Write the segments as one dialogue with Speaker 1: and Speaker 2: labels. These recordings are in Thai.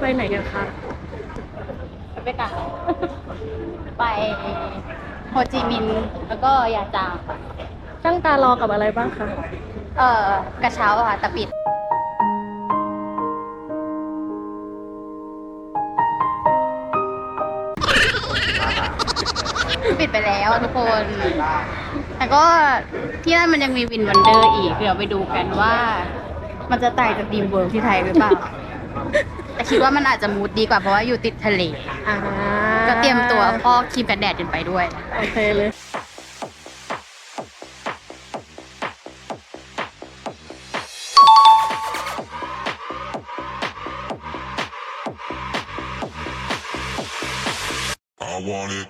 Speaker 1: ไหนกันคะ
Speaker 2: ไปกันไปโฮจิมินห์แล้วก็ยาจางค่ะ
Speaker 1: ตั้งตารอกับอะไรบ้างคะ
Speaker 2: กระเช้าค่ะแต่ปิดไปแล้วทุกคน แต่ก็ที่นั่นมันยังมีวินวันเดอร์อีกเดี๋ยวไปดูกันว่า มันจะต่างจากดีมเวิร์ที่ไทยหรือเปล่า แต่คิดว่ามันอาจจะมูดดีกว่าเพราะว่าอยู่ติดทะเลก็เตรียมตัวพอกครีมกันแดดกันไปด้วย
Speaker 1: โอเคเลย
Speaker 3: I want it.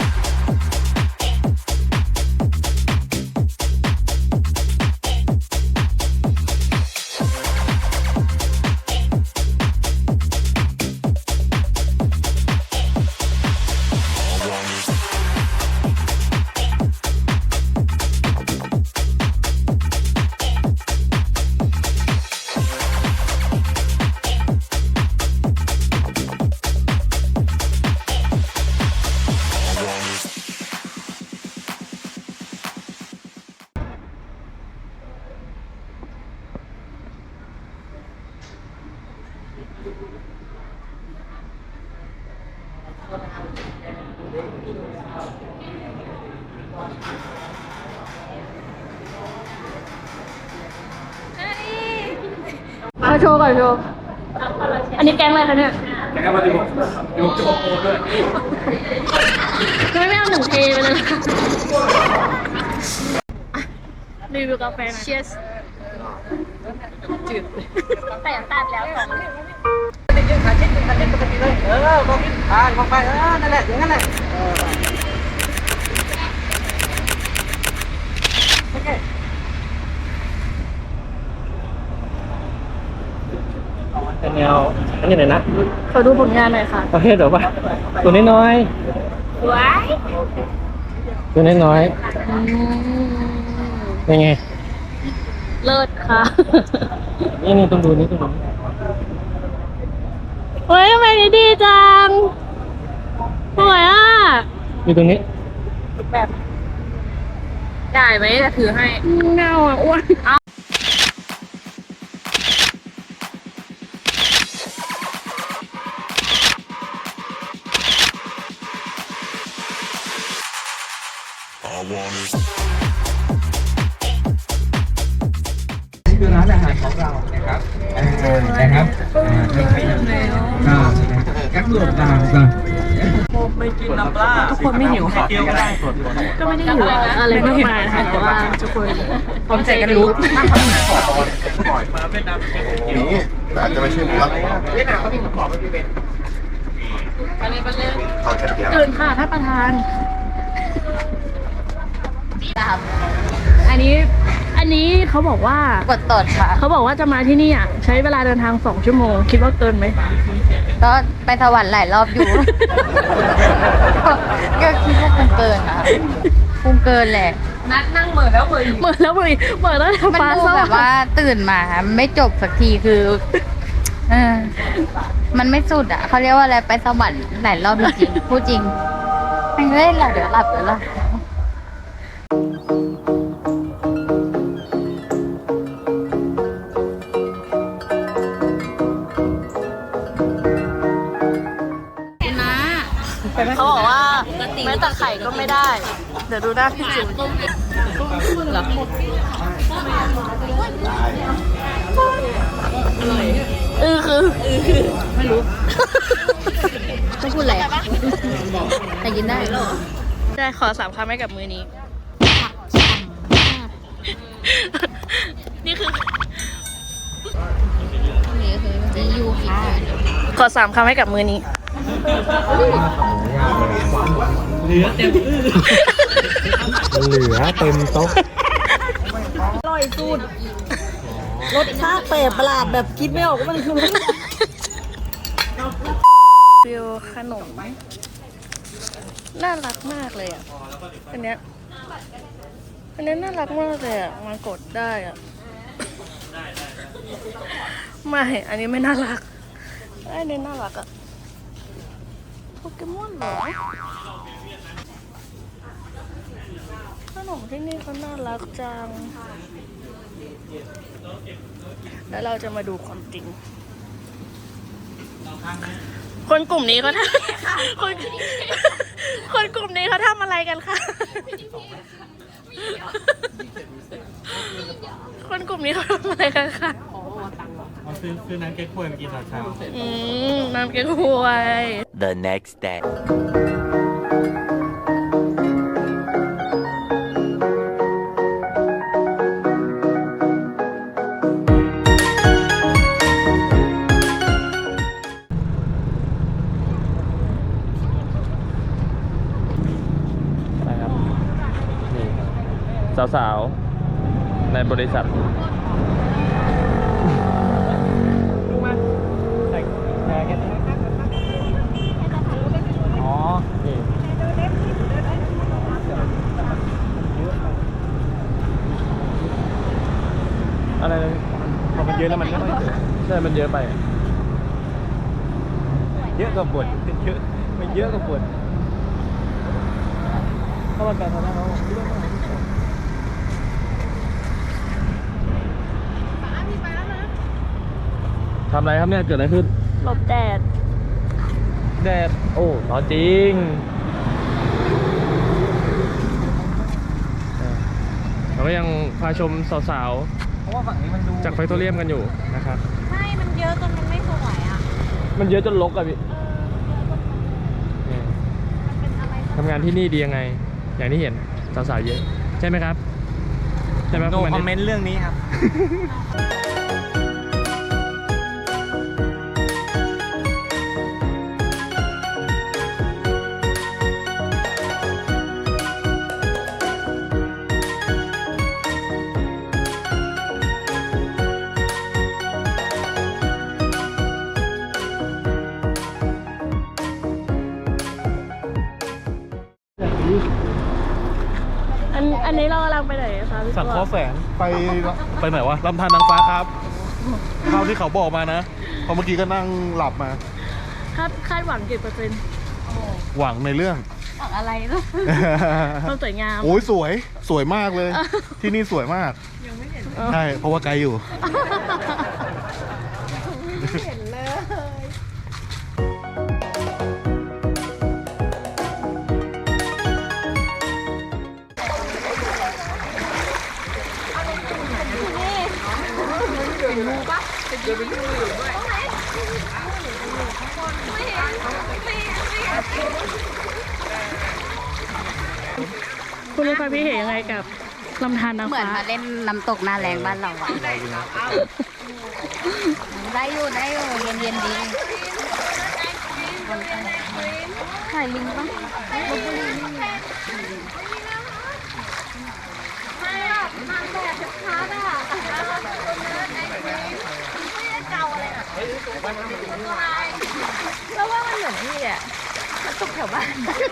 Speaker 1: มาโชว์ก่อนโชว์ อันนี้แก๊งอะไรคะเนี่ย
Speaker 4: แก๊งมาดิผมจะบอกโอ้ด้วย
Speaker 1: ไม่เอาหนึ่งเทไปเลยนะคะรีวิวกาแฟนะ
Speaker 2: Cheers จืดแต่ยังตัดแล้วสอง
Speaker 4: ขาเช็ดปกติเลยมองมองไปนั่นแหละอย่างนั้นแหละโอเคเป็นแนวอันนี้ไหนนะ
Speaker 1: ขอดูผลงานหน่อยค่ะ
Speaker 4: ประเภทแบบว่าตัวน้อย
Speaker 2: ว้าย
Speaker 4: ตัวน้อยเป็นไง
Speaker 1: เลิศค่ะ
Speaker 4: นี่ต้องดูนี่ต้องดู
Speaker 1: เฮ้ยทำไมนี่ดีจังสวยอ่ะ
Speaker 4: มีตรงนี้
Speaker 2: แบบได้ไหมจะถือให้
Speaker 1: เงาอ่ะอ้วน
Speaker 4: นี่คือร้านอาหารของเรานะครับนะครับแก๊ปหลวงดาวกันไม่กินน้ำปลาทุกคนไม่หิวค่ะ
Speaker 1: ก็ไม่ได้หิวอะไรมากมายค่ะแต่ว่าทุกคนพร้อมใจกันลุก
Speaker 3: นี่แต่อาจจะไม่ใช่มุกเวียดนามเขามีขอไม่เป็นเขาจะเดียว
Speaker 1: ตื่นค่ะท่านประธานอันนี้เขาบอกว่าก
Speaker 2: ดตดค่ะ
Speaker 1: เขาบอกว่าจะมาที่นี่อ่ะใช้เวลาเดินทาง2 ชั่วโมงคิดว่าเกินไหม
Speaker 2: ก็ไปสวรรค์หลายรอบอยู่ ก็คิดว่าคงเกินนะคงเกินแหละ
Speaker 1: นัดนั่งเหมือนแล้วเหมือนแล้วเหมือนแล้ว
Speaker 2: มันดูแบบว่าตื่นมาไม่จบสักทีคือมันไม่สุดอ่ะเขาเรียกว่าอะไรไปสวรรค์หลายรอบจริงพูดจริงไม่เล่นหรอเดี๋ยวหลับ
Speaker 1: เขาบอกว่าแม้แต่ไข่ก็ไม่ได้เดี๋ยวดูหน้าพี่จิ๋วหรอคือ
Speaker 2: ไม่รู้ต้องพูดอะไรแต่ยินได้
Speaker 1: ได้ขอ3 คำให้กับมือนี้นี่คือ
Speaker 2: นี่คือจะยูกิ
Speaker 1: ขอ3 คำให้กับมือนี้
Speaker 4: เหลือเต็มโต๊ะ
Speaker 5: อร่อยสุดรสชาติแปลกประหลาดแบบคิดไม่ออกว่ามันคือรส
Speaker 1: ฟิวขนมน่ารักมากเลยอ่ะอันนี้น่ารักมากเลยอ่ะมากดได้อ่ะไม่อันนี้ไม่น่ารักไอ้นี่น่ารักอะโปเกมอนเหรอขนมที่นี่เขาน่ารักจัง แล้วเราจะมาดูความจริง คนกลุ่มนี้เขาทำคนกลุ่มนี้เขาทำอะไรกันคะ คนกลุ่มนี้เขาทำอะไรกันคะ
Speaker 6: ซื้อน้ำเก๊กฮวยมากินตอนเช้า
Speaker 1: น้ำเก๊กฮวย
Speaker 7: The next day.
Speaker 6: นะครับ นี่สาวๆ ในบริษัทอ๋อนี่อะไรนะพอมันเยอะแล้วมันก็ใช่ มันเยอะไป เยอะกว่าบทเยอะมันเยอะกว่าบทเพราะมันการทำให้เขาทำอะไรครับเนี่ย เกิดอะไรขึ้น
Speaker 1: หลบแดด
Speaker 6: แดด โอ้ร้อนจริงเราก็ยังพาชมสาวๆ จากไฟโตเรียมกันอยู่นะครับ
Speaker 2: ใช่ มันเยอะจนมันไม่สวยอ่ะ
Speaker 6: มันเยอะจนรกอะพี่ทำงานที่นี่ดียังไง อย่างที่เห็นสาวๆเยอะ ใช่ไหมครับ ใช่ไหม
Speaker 4: โนคอมเมนต์เรื่องนี้ครับ
Speaker 1: อันนี้เรากำลังไปไหนคะพี่
Speaker 3: สั่ง
Speaker 1: ตัว
Speaker 3: ข้อแสงไปไหนวะลำธารนางฟ้าครับเท่าที่เขาบอกมานะเพราะเมื่อกี้ก็นั่งหลับมา
Speaker 1: คาดหวังกี่เปอร์เซ็นต์
Speaker 3: หวังในเรื่อง
Speaker 2: ของอะไรเนาะ
Speaker 1: ความสวยงาม
Speaker 3: โอ้ยสวยมากเลย ที่นี่สวยมากใช่เพราะว่าไกลอยู่
Speaker 1: คุณมีความคิดเห็นยังไงกับลำธารนาง
Speaker 2: เหมือน
Speaker 1: ฟ้า
Speaker 2: มาเล่นน้ำตกหน้าแรงบ้านเราอะได้อยู่เย็นเย็นดีถ่ายลิงปะลพบุรีนี่ไม่หรอกนางแบบชัดๆอ่ะเก่าอะไรอ่ะแล้วว่ามันเหมือนนี่อ่ะมันตกแถวบ้าน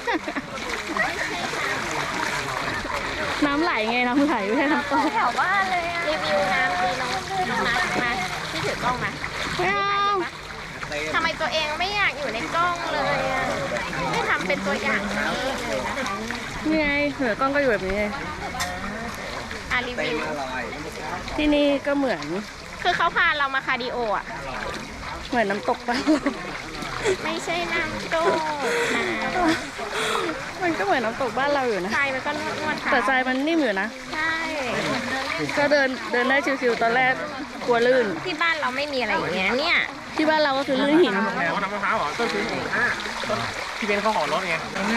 Speaker 1: น้ำไหลไงน้ำไหลไม่ใช่น้ำตก
Speaker 2: แถวบ้านเลยอะรีวิวน้ำดีน้องมาที่ถือกล้องมา
Speaker 1: ไม่เอา
Speaker 2: ทำไมตัวเองไม่อยากอยู่ในกล้องเลยอะไม่ทำเป็นตัวอย่างนี้เลยนะคะ
Speaker 1: นี่ไงเหนือกล้องก็อยู่แบบนี้ไง
Speaker 2: รีวิว
Speaker 1: ที่นี่ก็เหมือน
Speaker 2: คือเขาพาเรามาคาร์ดิโออ่ะ
Speaker 1: เหมือนน้ำตกปะ
Speaker 2: ไม่ใช่น้ำโตนะ
Speaker 1: มันก็เหมือนน้ำตกบ้านเราอยู่นะ
Speaker 2: ทรายมันก็นวดค่ะ
Speaker 1: แต่ทรายมันนิ่มอยู่นะ
Speaker 2: ใช่
Speaker 1: ก็เดินได้ชิวๆตอนแรกกลัวลื่น
Speaker 2: ที่บ้านเราไม่มีอะไรอย่างเงี้ยเนี่ย
Speaker 1: ที่บ้านเราก็คือลื่นหิน
Speaker 4: แล้วน้ำมะพร้าวเหรอต้นซื้อที่เป็นข้าวหอมรถไง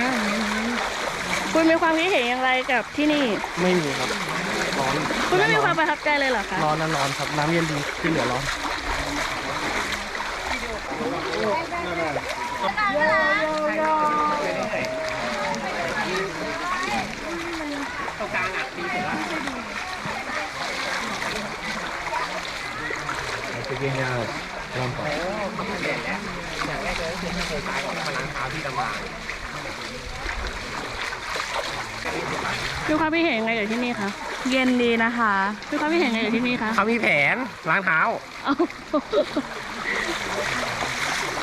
Speaker 1: คุณมีความคิดเห็นอย่างไรกับที่นี่
Speaker 6: ไม่มีครับ ร้อน
Speaker 1: คุณไม่มีความประทับใจเลยเหรอคะ
Speaker 6: ร้อนนะร้อนครับ น้ำเย็นดีที่เหลือร้อน
Speaker 4: ตรงกลางอ่ะดีสุดละ
Speaker 3: จะเก่งยากลองต่อ
Speaker 4: อย่างแรกเลยคือเคยขายของมาล้างเท้าที่ตำรา
Speaker 1: มีความคิดเห็นยังไงกับที่นี่คะ
Speaker 2: เย็นดีนะคะ
Speaker 1: มีความคิดเห็นยังไงกับที่นี่คะ
Speaker 4: เขามีแผนล้างเท้า
Speaker 1: เอ้า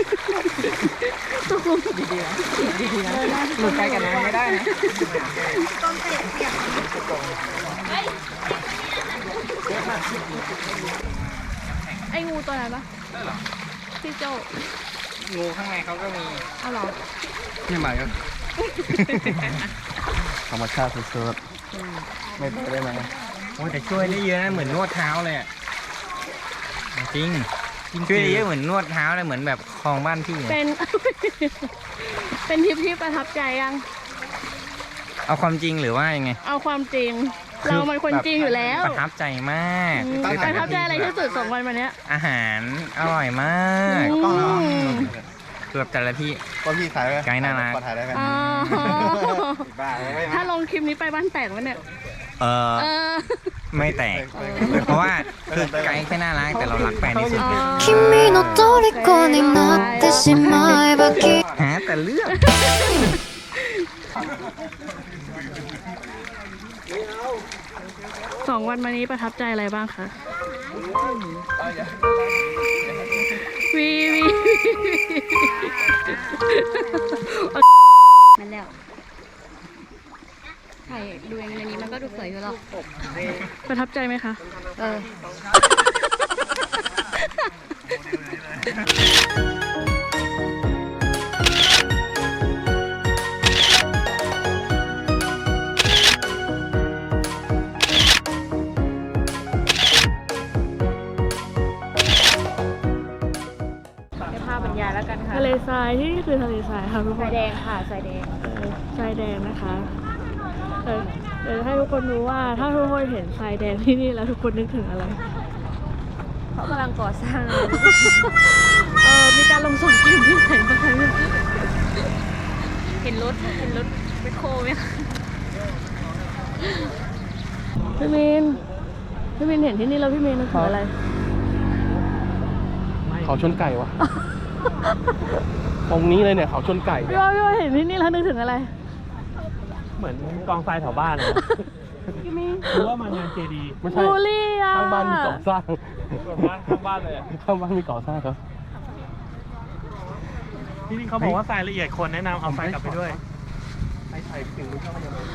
Speaker 4: ดีๆนะดีๆนะหลุดไปกันนะไม่ได้นะ
Speaker 1: ไอ้งูตัวไหนปะพี่โจ
Speaker 4: งูข้างในเขาก็มี
Speaker 1: เอาเหรอ
Speaker 3: นี่หมายก็ธรรมชาติสุดๆไม่ได้ไหม
Speaker 4: โอ้แต่ช่วยได้เยอะนะเหมือนนวดเท้าเลยอะจริงช่วยได้เยอะเหมือนนวดเท้าเลยเหมือนแบบคลองบ้านพี่
Speaker 1: เป็น เป็นทริปที่ประทับใจยัง
Speaker 4: เอาความจริงหรือว่ายังไง
Speaker 1: เอาความจริง เรามันคนจริงอยู่แล้ว
Speaker 4: ประทับใจมาก
Speaker 1: ประทับใจอะไรที่สุด2 วันมาเนี้ย
Speaker 4: อาหารอร่อยมาก
Speaker 1: อืม
Speaker 4: คือแบบแต่ละที่
Speaker 3: ก็พี่ถ่ายไหม
Speaker 4: ไกด์น่ารัก
Speaker 3: ขอถ่ายได้ไหม
Speaker 1: อ๋อ
Speaker 3: บ้าไม่
Speaker 1: ถ้าลงคลิปนี้ไปบ้านแตกวะเนี่ย
Speaker 4: เออ
Speaker 1: เออ
Speaker 4: ไม่แตก เพราะว่าคือไกด์แค่น่ารักแต่เรารักแฟนที่สุด
Speaker 7: 君の虜になってしまえばきっと
Speaker 4: หาแต่เรื่อง
Speaker 1: 2 วันมานี้ประทับใจอะไรบ้างคะวีวี
Speaker 2: มันแล้วถ่ายดูอย่างในนี้มันก็ดูสวยอยู่หรอก
Speaker 1: ประทับใจไหมคะ
Speaker 2: เออ
Speaker 1: ให้ภาพบรรยายแล้วกันค่ะทะเลทรายที่นี่คือทะเลทรายค่ะทุกคน
Speaker 2: สายแดงค่ะสายแดง
Speaker 1: ทรายแดงนะคะเดี๋ยวให้ทุกคนรู้ว่าถ้าทุกคนเห็นทรายแดงที่นี่แล้วทุกคนนึกถึงอะไร
Speaker 2: เขากำลังก่อสร้าง
Speaker 1: มีการลงสนกิมที่ไหนบ้างคะเนี่ย
Speaker 2: เห็นรถแมคโครไหมคะ
Speaker 1: พี่มินเห็นที่นี่แล้วพี่มินนึกถึงอะไร
Speaker 3: เขาชนไก่วะ ตรงนี้เลยเนี่ยเขาชนไก่
Speaker 1: พี่ว่าเห็นที่นี่แล้วนึกถึงอะไร
Speaker 6: เหมือนกองทรายแถวบ้านนะหรือว่ามางานเจดี
Speaker 3: ไม่ใช่
Speaker 1: บูลลี่อ่ะ
Speaker 3: ข้างบ้านมีก่อสร้าง
Speaker 6: ข้างบ้านเลยอะ
Speaker 3: ข้างบ้านมีก่อสร้างครับ
Speaker 6: ที่นี่เขาบอกว่าทรายละเอียดคนแนะนำเอาทรายกลับไปด้วย
Speaker 3: ไปใส่ถึงมือเข้ามายังไง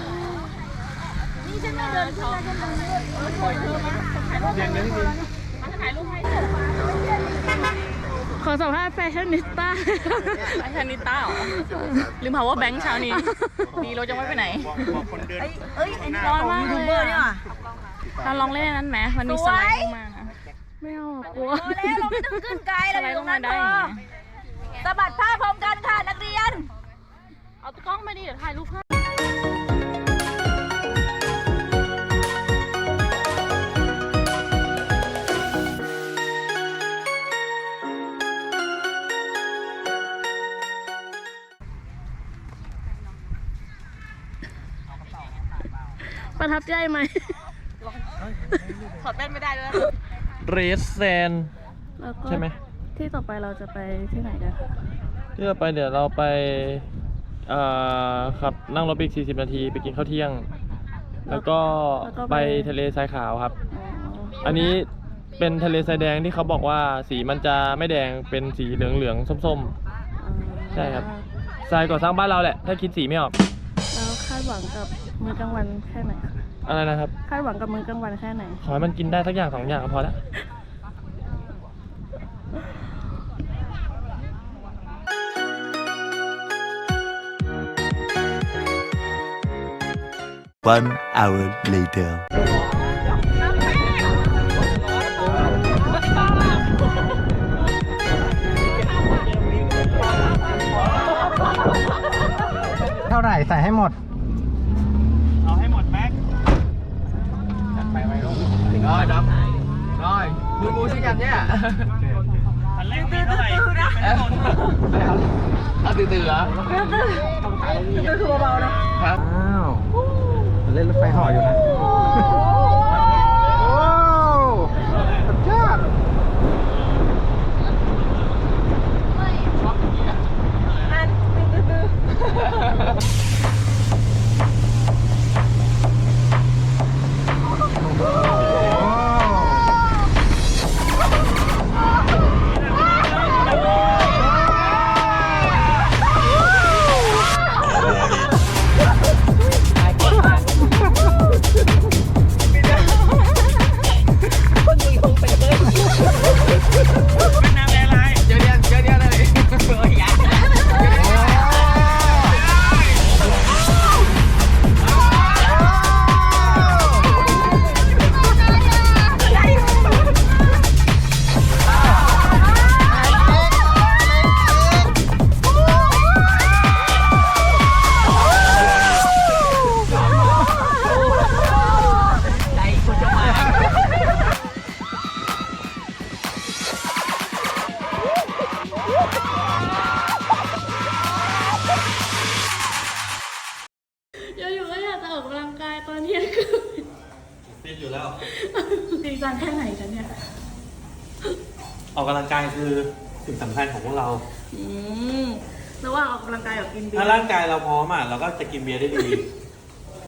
Speaker 1: ขอสัมภาษณ์แฟชั่นนิสต้า
Speaker 8: แฟชั่นนิสต้าเหรอ ลืม power bank เช้านี้ ดีรถยังไม่ไปไหน
Speaker 5: ร้อนมากเลยอ่ะ
Speaker 8: เราลองเล่นอันนั้นไหมมันมีสไลด์ลงมานะ
Speaker 1: ไม่เอากลัว
Speaker 5: แล้วเราไม่ต้องขึ้นไกล
Speaker 8: สไลด์ลงมาได้อย่างเงี้ย
Speaker 5: สะบัดผ้าพร้อมกันค่ะนักเรียน
Speaker 8: เอากล้องมาดิเดี๋ยวถ่ายรูปให้
Speaker 1: ประทับใจไหม
Speaker 8: ถอดแว่นไม่ได้ด้วย
Speaker 6: เรสแซน
Speaker 1: แล้วก็
Speaker 6: ใช่ไหม
Speaker 1: ที่ต่อไปเราจะไปที่ไหนกันคะ
Speaker 6: ที่เราไปเดี๋ยวเราไปขับนั่งรถไปอีก40 นาทีไปกินข้าวเที่ยง แล้วก็ไปทะเลทรายขาวครับ อันนี้เป็นทะเลทรายแดงที่เขาบอกว่าสีมันจะไม่แดงเป็นสีเหลืองๆส้มๆ ใช่ครับ ทรายก่อสร้างบ้านเราแหละ ถ้าคิดสีไม่ออก
Speaker 1: แล้วคาดหวังกับมื้อกลางวันแค่ไหนคะ
Speaker 6: อะไรนะครับ
Speaker 1: คาดหวังกับมื้อกลางวันแค่ไหน
Speaker 6: ขอให้มันกินได้สักอย่าง2 อย่างก็พอแล้ว
Speaker 9: 1 hour later.
Speaker 4: เท่าไหร่ใส่ให้หมด
Speaker 6: เอาให้หมดแม็ก
Speaker 4: ดูสิกันเนี่ย
Speaker 6: อันแรกมีเท่าไหร่
Speaker 4: เอาตื่นๆเหรอตื่นคือเบาๆนะครับอ้าวเล่นรถไฟห่ออยู่นะโอ้สุดยอด
Speaker 8: กายตอนเที่ยงคืน
Speaker 3: ฟิตอยู่แล้ว
Speaker 8: จริงจังแค่ไหนกันเนี่ย
Speaker 3: ออกกำลังกายคือสิ่งสำคัญของพวกเรา
Speaker 8: ระหว่างออกกำลังกายกับกินเบีย
Speaker 3: ถ้า
Speaker 8: ร์
Speaker 3: ร่างกายเราพร้อมอ่ะเราก็จะกินเบียร์ได้ดี